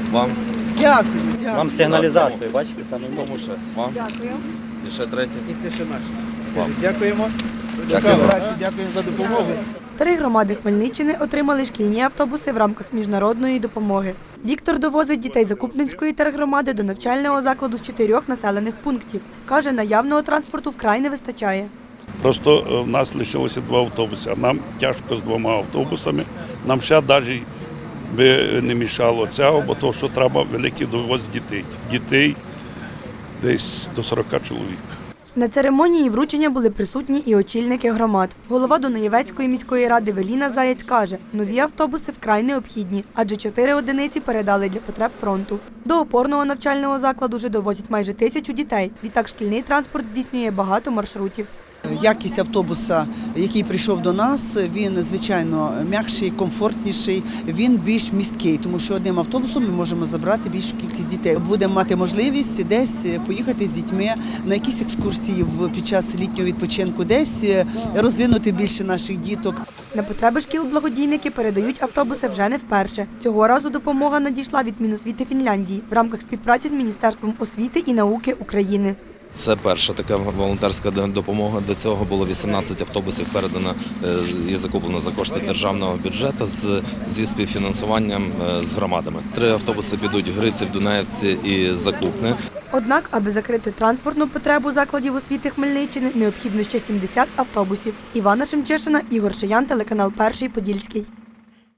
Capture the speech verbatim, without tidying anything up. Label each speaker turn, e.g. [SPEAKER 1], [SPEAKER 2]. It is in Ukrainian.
[SPEAKER 1] Вам.
[SPEAKER 2] Дякую, дякую.
[SPEAKER 3] Вам сигналізацію, бачите, саме в
[SPEAKER 1] Тому ще вам.
[SPEAKER 4] Дякую.
[SPEAKER 1] І ще третє.
[SPEAKER 2] І це ще наше.
[SPEAKER 1] Вам.
[SPEAKER 2] Дякуємо.
[SPEAKER 1] Дякуємо.
[SPEAKER 2] Дякуємо. Дякуємо за допомогу.
[SPEAKER 5] Три громади Хмельниччини отримали шкільні автобуси в рамках міжнародної допомоги. Віктор довозить дітей Закупненської тергромади до навчального закладу з чотирьох населених пунктів. Каже, наявного транспорту вкрай не вистачає.
[SPEAKER 6] Просто в нас лишилося два автобуси, а нам тяжко з двома автобусами. Нам ще навіть би не мішало цього, бо то, що треба великий довоз дітей. Дітей десь до сорока чоловік.
[SPEAKER 5] На церемонії вручення були присутні і очільники громад. Голова Дунаєвецької міської ради Веліна Заєць каже, нові автобуси вкрай необхідні, адже чотири одиниці передали для потреб фронту. До опорного навчального закладу вже довозять майже тисячу дітей. Відтак шкільний транспорт здійснює багато маршрутів.
[SPEAKER 7] Якість автобуса, який прийшов до нас, він, звичайно, м'якший, комфортніший, він більш місткий, тому що одним автобусом ми можемо забрати більшу кількість дітей. Будемо мати можливість десь поїхати з дітьми на якісь екскурсії під час літнього відпочинку, десь розвинути більше наших діток.
[SPEAKER 5] На потреби шкіл благодійники передають автобуси вже не вперше. Цього разу допомога надійшла від Міносвіти Фінляндії в рамках співпраці з Міністерством освіти і науки України.
[SPEAKER 1] Це перша така волонтерська допомога. До цього було вісімнадцять автобусів передано і закуплено за кошти державного бюджету з, зі співфінансуванням з громадами. Три автобуси підуть в Гриців, Дунаєвці і Закупне.
[SPEAKER 5] Однак, аби закрити транспортну потребу закладів освіти Хмельниччини, необхідно ще сімдесят автобусів. Івана Шемчешина, Ігор Шиян, телеканал Перший Подільський.